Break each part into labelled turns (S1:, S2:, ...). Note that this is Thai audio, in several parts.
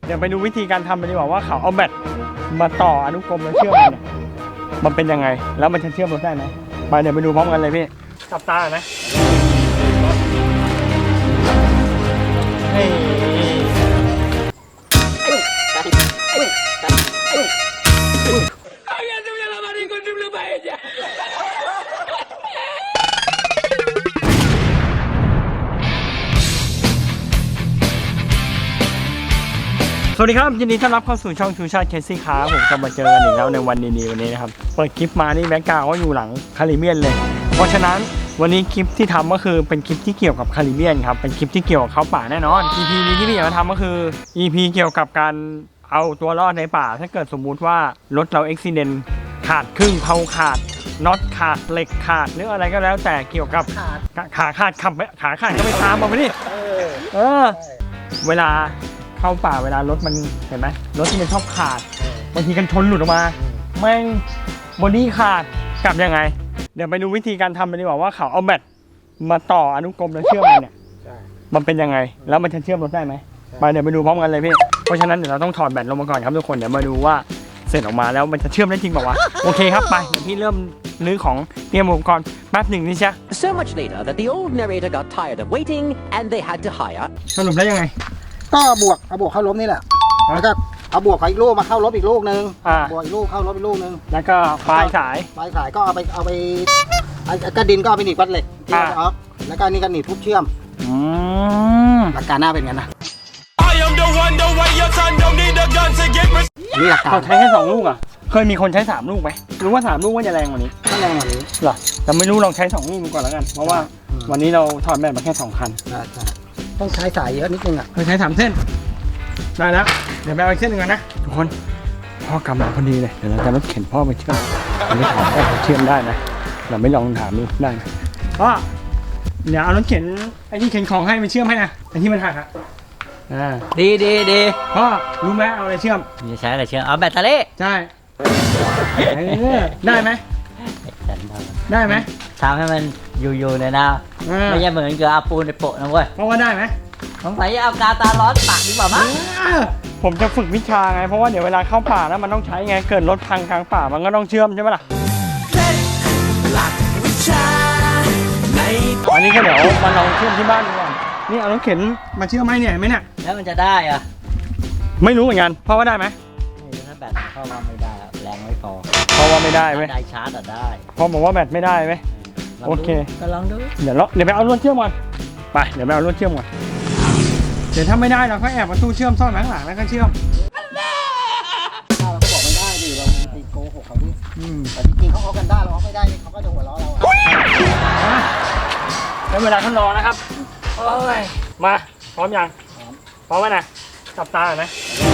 S1: เดี๋ยวไปดูวิธีการทำไปดีกว่าว่าเขาเอาแบตมาต่ออนุกรมแล้วเชื่อมกันเนี่ยมันเป็นยังไงแล้วมันจะเชื่อมรถได้ไหมไปเดี๋ยวไปดูพร้อมกันเลยพี่จับตาไหมสวัสดีครับยินดีต้อนรับเข้าสู่ช่องชูชาติเคสซี่คาร์ผมจะมาเจอกันอีกแล้วในวันดีๆวันนี้นะครับเปิดคลิปมานี่แบ็คกราวด์ก็อยู่หลังคาริเบียนเลยเพราะฉะนั้นวันนี้คลิปที่ทำก็คือเป็นคลิปที่เกี่ยวกับคาริเบียนครับเป็นคลิปที่เกี่ยวกับเขาป่าแน่นอน EP นี้ที่พี่อยากจะทำก็คือ EP เกี่ยวกับการเอาตัวรอดในป่าถ้าเกิดสมมุติว่ารถเราอุบิเหตุขาดครึ่งเพลาขาดน็อตขาดเหล็กขาดหรืออะไรก็แล้วแต่เกี่ยวกับขาขาดก็ไปตามมาไปดิเวลาเข้าป่าเวลารถมันเห็นไหมรถที่มันชอบขาดบางทีกันชนหลุดออกมาแม่งบอดี้ขาดกลับยังไงเดี๋ยวไปดูวิธีการทำไปดีกว่าว่าเขาเอาแบตมาต่ออนุกรมแล้วเชื่อมกันเนี่ยมันเป็นยังไงแล้วมันจะเชื่อมรถได้ไหมไปเดี๋ยวไปดูพร้อมกันเลยพี่เพราะฉะนั้นเดี๋ยวเราต้องถอดแบตลงมาก่อนครับทุกคนเดี๋ยวมาดูว่าเสร็จออกมาแล้วมันจะเชื่อมได้จริงเปล่าวะโอเคครับไปเดี๋ยวพี่เริ่มรื้อของเตรียมอุปกรณ์แป๊บหนึ่งนี่ใช่
S2: So much later that the old narrator got tired of waiting and they had to hire
S1: สรุปได้ยังไง
S3: ก็เอาบวกเข้าลบนี่แหละแล้วก็เอาบวกกับอีกลูกมาเข้าลบอีกลูกนึงบวกอีกลูกเข้าลบอีกลูกนึง
S1: แล้วก็ปลายสาย
S3: ก็เอาไปกระดินก็เอาไปหนีบวัดเหล็กที่ออกแล้วก็นี่ก็หนีบทุบเชื่อมหลักการหน้าเป็นงั้นนะนี่หลักการ
S1: เขาใช้แค่2 ลูกอ่ะเคยมีคนใช้3 ลูกไหมรู้ว่า3 ลูกว่าจะแรงกว่านี้
S3: ก็แรงกว่านี้
S1: เหรอแต่ไม่รู้ลองใช้2 ลูกก่อนแล้วกันเพราะว่าวันนี้เราถอดแบตมาแค่2 คัน
S3: ต้องใช้สายเยอะนิดนึงอ่ะ
S1: เคยใช้3 เส้นได้แล้วเดี๋ยวไปเอาอีกเส้นหนึ่งกันนะทุกคนพ่อกำลังพอดีเลยเดี๋ยวเราจะรถเข็นพ่อไปเชื่อมอันนี้ถามพ่อเชื่อมได้นะเราไม่ลองถามดูได้นะพ่อเดี๋ยวเอารถเข็นไอ้ที่เข็นของให้มันเชื่อมให้นะไอ้ที่มันหักอ่ะ
S2: ดี
S1: พ่อรู้ไหมเอาอะไรเชื่อม
S2: จะใช้อะไรเชื่อมเอาแบตเตอรี่
S1: ใช่ได้ไหมได้ไหม
S2: ทำให้มันอยู่ๆเลยนะไม่ใช่เหมือนกับเอาปูนในโปะนะเว้ย
S1: เพราะว่าได้ไหม
S2: สงสัยจะเอากาตาร้อนปากดีกว่ามั้ง
S1: ผมจะฝึกวิชาไงเพราะว่าเดี๋ยวเวลาเข้าป่าแล้วมันต้องใช้ไงเกิดรถพังกลางป่ามันก็ต้องเชื่อมใช่ไหมล่ะอันนี้ก็เดี๋ยวมาลองเชื่อมที่บ้านดูก่อนนี่เอารถเข็นมาเชื่อมไหมเนี่ยไหมเนี่ย
S2: แล้วมันจะได้อะ
S1: ไม่รู้เหมือนกันเพราะว่าได้ไหม
S2: ถ้าแบตเข้ามาไม่ได้แรงไม่พอ
S1: เพราะว่าไม่ได้ไหม
S2: ได้ชาร์จได้
S1: พอบอกว่าแบตไม่ได้ไหมโอเค
S2: ก็ลองดู
S1: เดี๋ยวไปเอารถเชื่อมก่อนไปเดี๋ยวไปเอารถเชื่อมก่อนเดี๋ยวถ้าไม่ได้เราก็แอบประตูเชื่อมซ่อนไว้ข้างหลังแล้วก็เชื่อม
S3: เราก็บอกไม่ได้ดิเราไปโกหกเขาดิแต่จริงๆเขาเอากันได้เราเอาไม่ได้เขาก็จะหัวเราะเรา
S1: แล้วเวลาท่านรอนะครับโอ้ยมาพร้อมยังพร้อมไหมนะจับตาไหม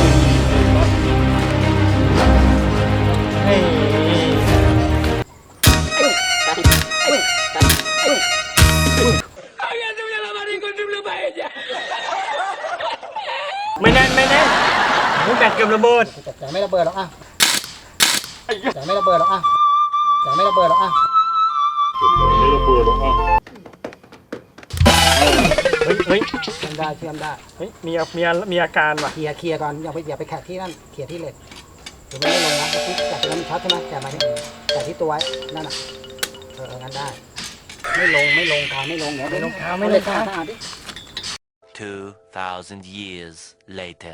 S1: ไม่แน่นลูกแบตเกือบระเบิด
S3: แต่ไม่ระเบิดหรอกแต่ไม่ระเบิดหรอกไม่ระเบิดหรอก
S1: เฮ้ย
S3: เชื่อมได้
S1: เฮ้ยมีอาการว่ะ
S3: เคลียร์ก่อนอย่าไปแขะที่นั่นเคลียร์ที่เหล็กเดี๋ยวไม่ลงนะที่แกะตรงนั้นช็อตใช่ไหมแกะมาที่แกะที่ตัวไว้นั่นน่ะงั้นได้ไม่ลงเดี๋ยวไม่ลง
S4: 2,000 years later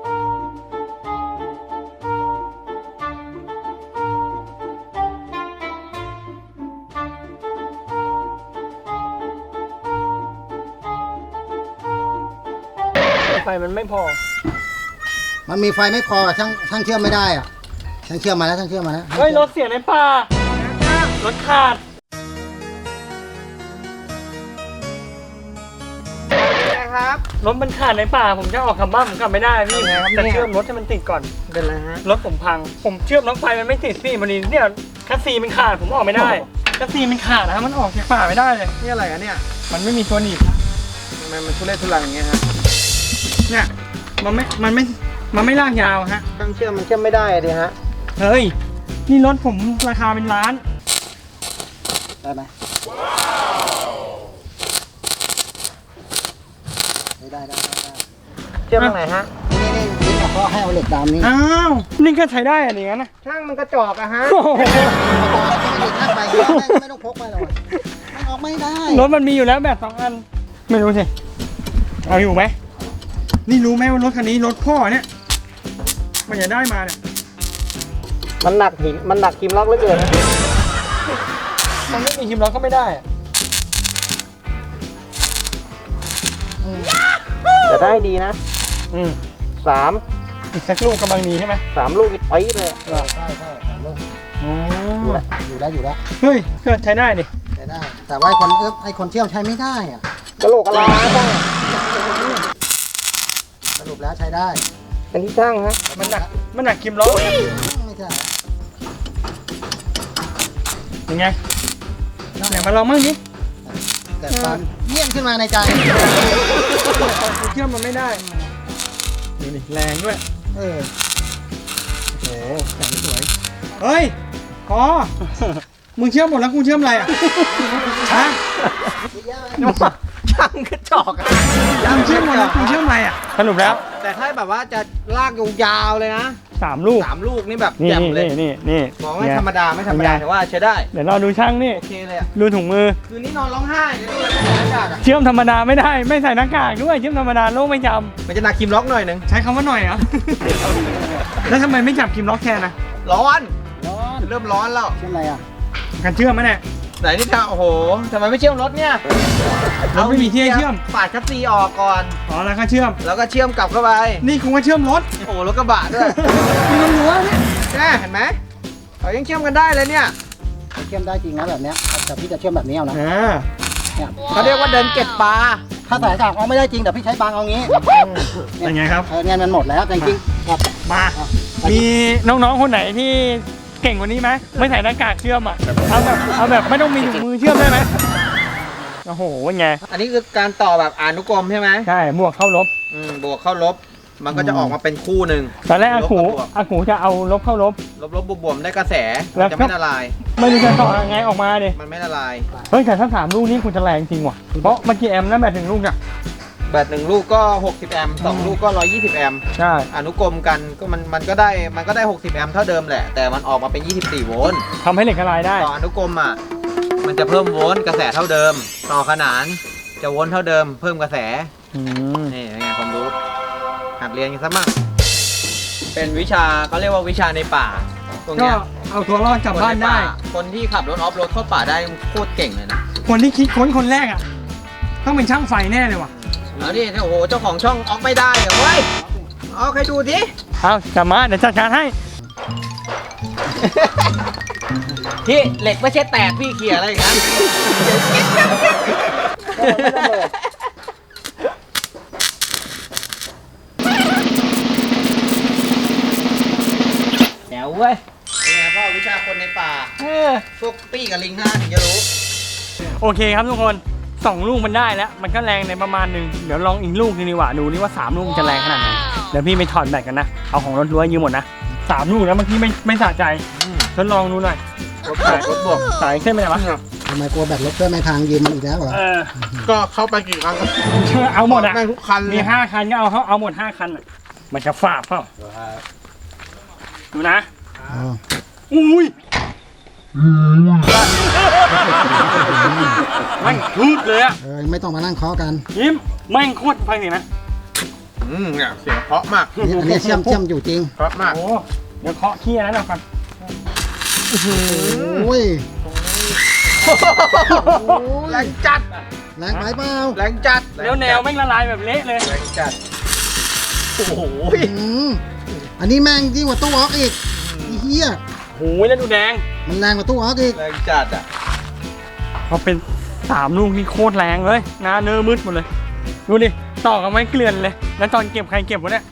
S1: ไฟมันไม่พอ
S3: มันมีไฟไม่พอช่างเชื่อมไม่ได้อ่ะช่างเชื่อมมาแล้ว
S1: เฮ้ยรถเสียในป่ารถขาด
S3: ครับ
S1: รถมันขาดในป่าผมจะออกกลับบ้านผมกลับไม่ได้พี่แต่เชื่อมรถให้มันติดก่อน
S3: เป็นไรฮะ
S1: รถผมพังผมเชื่อมน้องไฟมันไม่ติดพี่พอดีเนี่ยคัสซีมันขาดผมออกไม่ได้คัสซีมันขาดนะมันออกจากป่าไม่ได้เลย
S3: นี่อะไรอ่ะเนี่ย
S1: มันไม่มีตัวหนีบ
S3: ทำไมมันทุเรศทุรังอย่างเงี้ยฮะ
S1: เนี่ยมันไม่ลากยาวฮะ
S3: ช่างเชื่อมมันเชื่อมไม่ได้ดิฮะ
S1: เฮ้ยนี่รถผมราคาเป็นล้าน
S3: ได้ไหมได้เชื่อมตรงไหนฮะนี่เอาเหล็กดำนี่
S1: อ้าวนี่ก็ใช้ได้อะอย่างนั้นนะ
S3: ช่างมันกระจอกอะฮะ
S1: โอ้โห
S3: ช่างไปเยอะไม่ต้องพกไปหรอกมันออกไม่ได้
S1: รถมันมีอยู่แล้วแบบ2 อันไม่รู้สิเอาอยู่ไหมนี่รู้ไหมว่ารถคันนี้รถพ่อเนี่ยมันจะได้มาเนี่ย
S3: มันหนักหินมันหนักคิมล็อกเหลือเกินนะ
S1: มันไม่มีคิมล็อกก็ไม่ได้อะ
S3: จะได้ดีนะ
S1: อืม
S3: 3
S1: อีกสักลูกกำลังดีใช่ไหม
S3: ลูกอีกปี๊ดเลยใช่3 ลูก
S1: อ๋อ
S3: อยู่แล้ว
S1: เฮ้ยก็ใช้ได้ดิ
S3: ใช้ได้ แต่ว่าไอ้คนเที่ยวใช้ไม่ได้อะกระโหลกกระลาสรุปแล้วใช้ได้เป็นที่ช่างฮะ
S1: มันหนักคิมล็อก
S3: ไม่ใช่
S1: ยังไงไหนมาลองมั่งดิ
S3: แต่ความเยี่ยมขึ้นมาในใจ
S1: เชื่อมมันไม่ได้ดูดิแรงด้วย
S3: เออ
S1: โอ้โหแสงสวยเฮ้ยพอมึงเชื่อมหมดแล้วกูเชื่อมอะไรอ่ะฮะ
S3: ช่างกระจอกอะ
S1: มึงเชื่อมหมดแล้วกูเชื่อมอะไรอ่ะสรุปแล้ว
S5: แต่ถ้าแบบว่าจะลากยาวๆเลยนะ
S1: 3 ลูก
S5: 3 ลูกนี่แบบ
S1: นี่
S5: แจ่มเลย
S1: นี่
S5: มองไม่ธรรมดาไม่ธรรมดาแต่ว่าใช้ได้
S1: เดี๋ยวเราดูช่างนี่
S5: โอเคเลยอ่ะ
S1: ดูถุงมือ
S5: คืนนี้นอนร้องไห้เลยด้วยหน้ากากอ่ะ
S1: เชื่อมธรรมดาไม่ได้ไม่ใส่หน้ากากด้วยเชื่อมธรรมดาโลกไม่จ
S5: มันจะหนักคิมล็อกหน่อยหนึง
S1: ำใช้คำว่าหน่อยเหรอ แล้วทำไมไม่จับคิมล็อกแทนนะ
S5: ร้อน
S3: ร้อน
S5: เริ่มร้อนแล้ว
S3: เช่นไรอ่ะ
S1: การเชื่อมไหมเนี่ย
S5: ไหนนี่ทางโอ้โหทำไมไม่เชื่อมรถเนี่ย
S1: รถไม่มีที่ให้เชื่อม
S5: ปาดคัสซีออกก่อน
S1: อ๋อแล้วก็เชื่อม
S5: แล้วก็เชื่อมกลับเข้าไป
S1: นี่คงว่าเชื่อมรถ
S5: โอ้โหรถกระบะด้วย
S1: มีรถรั้วเนี่ย
S5: แน่เห็นไหมเขายังเชื่อมกันได้เลยเนี่ย
S3: เชื่อมได้จริงนะแบบเนี้ยแต่พี่จะเชื่อมแบบนี้เอานะ
S1: อ่า
S3: เนี่ย
S5: เขาเรียกว่าเดินเก็บปลา
S3: ถ้าสายสากเอาไม่ได้จริงแต่พี่ใช้บางเอางี้
S1: เป็นไงครับ
S3: เงินมันหมดแล้วแต่จริงๆครับ
S1: มา มีน้องๆ คนไหนที่เก่งกว่านี้ไหมไม่ใส่หน้ากากเชื่อมอ่ะ เอาแบบไม่ต้องมีถุงมือเชื่อมได้ไหมโอ้โหเป็นไง
S5: อันนี้คือการต่อแบบอนุกรมใช่ไหม
S1: ใช่บวกเข้าลบ
S5: บวกเข้าลบ มันก็จะออกมาเป็นคู่หนึ่ง
S1: ตอนแรกอากู
S5: ลบกับบวก
S1: อากูจะเอาลบเข้าลบ
S5: ลบๆบวกๆได้กระแส
S1: แล้ว
S5: จะไม่ละลาย
S1: ไม่รู้จะต่อยังไงออกมาดิ
S5: มันไม่ละลาย
S1: เฮ้ยแต่ถ้า3 ลูกนี้คุณจะแรงจริงว่ะ เพราะเมื่อกี้แอมป์นั่นแบบ1 ลูกอ่ะ
S5: แบต1 ลูกก็ 60 แอมป์2 ลูกก็ 120 แอมป์
S1: ใช่
S5: อนุกรมกันก็มันก็ได้ 60 แอมป์เท่าเดิมแหละ แต่มันออกมาเป็น 24 โวลต์
S1: ทำให้เหล็กละลายได้
S5: ต่ออนุกรมอ่ะ มันจะเพิ่มโวลต์กระแสเท่าเดิม ต่อขนานจะโวลต์เท่าเดิม เพิ่มกระแส
S1: อืม
S5: นี่เป็นไงความรู้ หัดเรียนกันซะมั่งเป็นวิชาเขาเรียกว่าวิชาในป่าพวก
S1: ก็
S5: เนี้ย
S1: เอาตัวรอดกลับบ้านได้
S5: คนที่ขับรถออฟโรดเข้าป่าได้โคตรเก่งเลยนะ
S1: คนที่คิดค้นคนแรกอ่ะ ต้องเป็นช่างไฟแน่เลยว่ะ
S5: แล้วนี่โอ้โหเจ้าของช่องออกไม่ได้เหรอเว้ยเอาใครดูดิ
S1: เอาจับมาเดี๋ยวจัดการให้
S5: พี่เหล็กไม่ใช่แตกพี่เขี่ยอะไรอย่างนั้นแจ๋วเว้ยเป็นไงพ่อวิชาคนในป่าพวกปี้กับลิงห้าถึงจะรู้
S1: โอเคครับทุกคน 2 ลูกมันได้แล้ว มันก็แรงในประมาณหนึง เดี๋ยวลองอีกลูกนึงดีกว่า ดูนี่ว่า 3 ลูกมันจะแรงขนาดไหน เดี๋ยวพี่ไปถอดแบตกันนะ เอาของรถรั้วยืมหมดนะ 3 ลูกนะเมื่อกี้ไม่สะใจทดลองดูหน่อยรถบวกสายเส้นไปไหนวะ
S3: ทำไมกลัวแบตรถเพื่อนไม่พังยืมมันอีกแล้วเหรอ
S6: ก็เข้าไปกี่ครั้งก็
S1: เอาหมดอ่ะ
S6: แม่งทุกคันเล
S1: มี
S6: ย
S1: 5 คันก็เอาหมด 5 คันอะมันจะฝาดเปล่าดูนะ
S3: อ๋อ
S1: อุ้ยแม่งพูดเลยอะ
S3: ไม่ต้องมานั่งเคาะกัน
S1: ยิ้มแม่งโคตรฟังเสียงนะ
S6: เนี่ยเสียงเพราะมาก
S3: อันนี้เชื่อมอยู่จริง
S6: เพราะมาก
S1: โอ้เดี๋ยวเคาะขี้นั้นหน่อยก่อน
S3: โอ้ย
S5: แรงจัด
S3: แรงไปเปล่า
S5: แรงจัด
S1: แล้วแนวแม่งละลายแบบเละเลย
S5: แรงจัด โอ้โห
S3: อืมอันนี้แม่งยิ่งกว่าตู้ออกอีกไอ้เหี้ย
S1: โอ้ยแล้วดูแดง
S3: มันแรงกว่าตู้ออกอีก
S5: แรงจัดอ่ะ
S1: พอเป็น3 ลูกนี่โคตรแรงเลยหน้าเนื้อมืดหมดเลย ดูดิ ต่อกันไม่เกลื่อนเลย แล้วตอนเก็บใครเก็บวะเนี่ย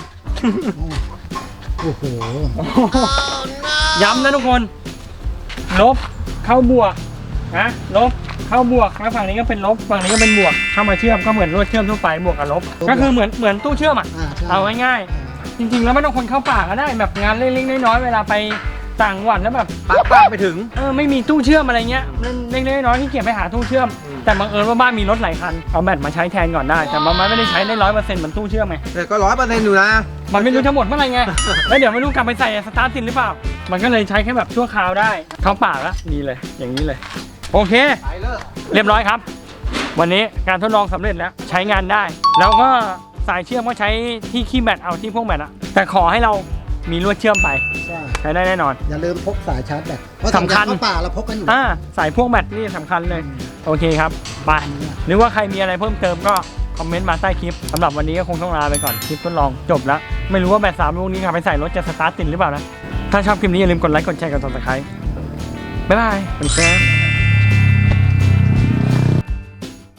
S3: โอ้โห
S1: ย้ำนะทุกคน ลบเข้าบวกนะลบเข้าบวกแล้วฝั่งนี้ก็เป็นลบฝั่งนี้ก็เป็นบวกเข้ามาเชื่อมก็เหมือนรวดเชื่อมทั่วไปบวกกับลบ ก็คือเหมือนตู้เชื่อมอ่ะ
S3: ใช่
S1: เอาง่ายๆจริงๆแล้วไม่ต้องคนเข้าป่าก็ได้แบบงานเล็กๆน้อยๆเวลาไปต่างจังหวัดแล้วแบบ
S5: ปักไปถึง
S1: ไม่มีตู้เชื่อมอะไรเงี้ยเล็กๆน้อยๆที่เกียจไปหาตู้เชื่อม
S5: อืม
S1: แต่บังเอิญว่าบ้านมีรถหลายคันเอาแบตมาใช้แทนก่อนได้แต่มันไม่ได้ใช้ได้100%เหมือนตู้เชื่อมไง
S5: แต่ก็100%อยู่นะ
S1: มันไม่รู้จะหมดเมื่อไหร่ไงแล้วเดี๋ยวไม่รู้กลับไปใส่สตาร์ทติดหรือเปล่ามันก็เลยใช้แค่แบบชั่วคราวได้เข้าปากแล้วดีเลยอย่างนี้เลยโอเค
S5: ไปเลย
S1: เรียบร้อยครับ วันนี้การทดลองสำเร็จแล้วใช้งานได้ แล้วก็สายเชื่อมก็ใช้ที่คีย์แบตเอาที่พวกแบตอะแต่ขอให้เรามีลวดเชื่อมไป
S3: ใช่
S1: ใช้ได้แน่นอน
S3: อย่าลืมพกสายชาร์จแบตเพราะ
S1: สำคัญ
S3: เข้าป่าเราพกกันอยู่
S1: สายพวกแบตนี่สำคัญเลยโอเคครับไปหรือว่าใครมีอะไรเพิ่มเติมก็คอมเมนต์มาใต้คลิปสำหรับวันนี้ก็คงต้องลาไปก่อนคลิปทดลองจบแล้วไม่รู้ว่าแบต3ลูกนี้ขับไปใส่รถจะสตาร์ทติดหรือเปล่านะถ้าชอบคลิปนี้อย่าลืมกดไลค์กดแชร์กด Subscribeบ๊ายบายสวัสดีครับ